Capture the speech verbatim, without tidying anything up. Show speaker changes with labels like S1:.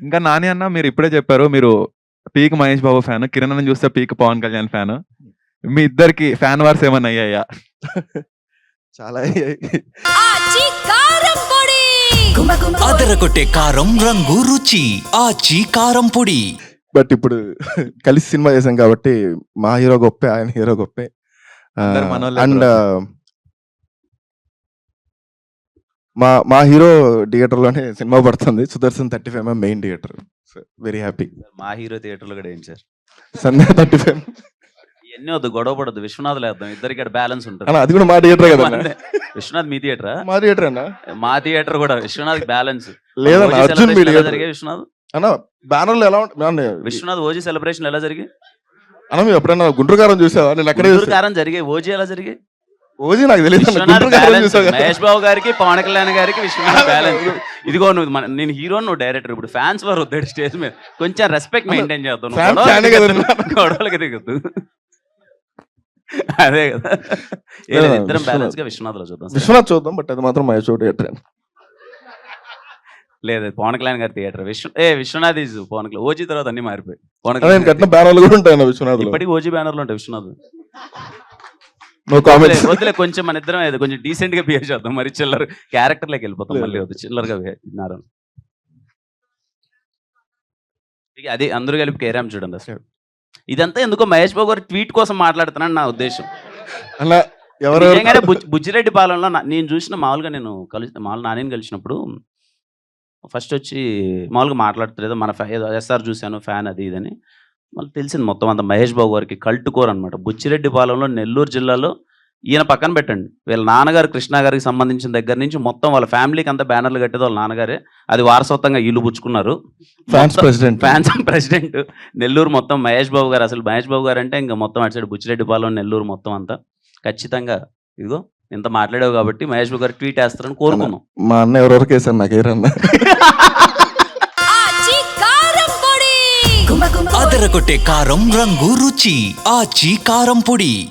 S1: ఇంకా నాని అన్న మీరు ఇప్పుడే చెప్పారు మీరు పీక్ మహేష్ బాబు ఫ్యాన్, కిరణ్ అన్న చూస్తే పీక్ పవన్ కళ్యాణ్ ఫ్యాన్. మీ ఇద్దరికి ఫ్యాన్ వార్స్ ఏమన్నా అయ్యాయా?
S2: చాలా అయ్యాయి.
S3: అదరగొట్టే కారం రంగు రుచి ఆచి కారం పొడి.
S2: బట్ ఇప్పుడు కలిసి సినిమా చేసాం కాబట్టి మా హీరో గొప్పే, ఆయన హీరో గొప్పే.
S1: అందరు మనోళ్ళే
S2: అండ్
S1: bro.
S2: మా మా హీరో థియేటర్ లోనే సినిమా పడుతుంది. Sudarshan thirty five MM main theatre. Very happy.
S4: మా హీరో థియేటర్లో కూడా ఏం సార్
S2: సంధ్య థర్టీ ఫైవ్
S4: ఇవన్నీ వద్దు, గొడవ పడద్దు. విశ్వనాథ్ లేద్దాం, ఇద్దరికి ఇక్కడ బ్యాలెన్స్ ఉంటుంది.
S2: అన్న అది కూడా మా థియేటర్ కదా అన్న.
S4: విశ్వనాథ్ మీ థియేటరా?
S2: మా థియేటర్ అన్న.
S4: మా థియేటర్ కూడా విశ్వనాథ్ బ్యాలెన్స్
S2: లేదన్న అర్జున్ మీ థియేటర్.
S4: జరిగే విశ్వనాథ్
S2: అన్న బ్యానర్ లో ఎలా ఉంటుంది
S4: విశ్వనాథ్ ఓజీ సెలబ్రేషన్ ఎలా జరిగి?
S2: అన్న మేము ఎప్పుడైనా గుంటూరు కారం చూసావా? నేను అక్కడే చూసా.
S4: కారం జరిగే ఓజీ ఎలా జరిగి?
S2: ఓజీ నాకు తెలియదు.
S4: విశ్వనాథ్ బ్యాలెన్స్ మహేష్ బాబు గారికి పవన్ కళ్యాణ్ గారికి విశ్వనాథ్ బ్యాలెన్స్. ఇదిగో నువ్వు మన- నేను హీరో, నువ్వు డైరెక్టర్. ఇప్పుడు ఫ్యాన్స్ వారు వద్దాడు స్టేజ్ మీద, కొంచెం రెస్పెక్ట్ మెయింటైన్ చేద్దాం. నువ్వు
S2: Fans
S4: గొడవలకి
S2: ఫ్యానే కదా
S4: దిగొద్దు, గొడవలకి దిగొద్దు. అదే కదా. ఏ లేదు, ఇద్దరం బ్యాలెన్స్ గా విశ్వనాథ్ లో చూద్దాం.
S2: విశ్వనాథ్ చూద్దాం, బట్ అది మాత్రం మహేష్ థియేటర్.
S4: లేదు పవన్ కళ్యాణ్ గారి theatre. Vishwa A Vishwanath is Pawan Kalyan. OG తర్వాత అన్ని మారిపోయి పవన్
S2: నేను
S4: కళ్యాణ్
S2: కట్టిన బ్యానర్లు కూడా ఉంటాయి విశ్వనాథ్.
S4: ఇప్పటికి ఓజీ బ్యానర్లు ఉంటాయి విశ్వనాథ్.
S2: No comments.
S4: వద్దులే, కొంచెం మన ఇద్దరం ఏదో కొంచెం డీసెంట్ గా బిహేవ్ చేద్దాం. మరి చిల్లర క్యారెక్టర్లోకి వెళ్ళిపోతాం మళ్ళీ. వద్దు చిల్లరగా బిహేవ్. అది అందరూ కలిపి కేరామ్ చూడండి అసలు. ఇదంతా ఎందుకో మహేష్ బాబు గారు ట్వీట్ కోసం మాట్లాడుతున్నాను నా ఉద్దేశం.
S2: అలా ఎవరు
S4: నిజంగానే బుజ్- బుజ్జిరెడ్డి పాలనలో నా- నేను చూసిన మామూలుగా నేను కలిసి మామూలు నాని కలిసినప్పుడు ఫస్ట్ వచ్చి మామూలుగా మాట్లాడుతులేదు మన ఫ్యా ఏదో ఎస్ఆర్ చూశాను ఫ్యాన్ అది ఇదని. మళ్ళీ తెలిసింది మొత్తం అంత మహేష్ బాబు గారికి కల్ట్ కోర్ అనమాట. బుచ్చిరెడ్డి పాలెంలో నెల్లూరు జిల్లాలో ఈయన పక్కన పెట్టండి, వీళ్ళ నాన్నగారు కృష్ణ గారికి సంబంధించిన దగ్గర నుంచి మొత్తం వాళ్ళ ఫ్యామిలీకి అంతా బ్యానర్లు కట్టేది వాళ్ళ నాన్నగారే. అది వారసత్వంగా ఇల్లు పుచ్చుకున్నారు.
S2: Fans president.
S4: Fans president Nellore మొత్తం మహేష్ బాబు గారు. అసలు మహేష్ బాబు గారు అంటే ఇంకా మొత్తం అటు సైడ్ బుచ్చిరెడ్డి పాలెం నెల్లూరు మొత్తం అంతా ఖచ్చితంగా. ఇదిగో ఇంత మాట్లాడావు కాబట్టి మహేష్ బాబు గారు ట్వీట్ వేస్తారని కోరుకున్నాం.
S2: మా అన్న ఎవరెవరికి వేసాను నాకు ఏరన్నా.
S3: అదరగొట్టే కారం రంగు రుచి ఆచి కారం పొడి.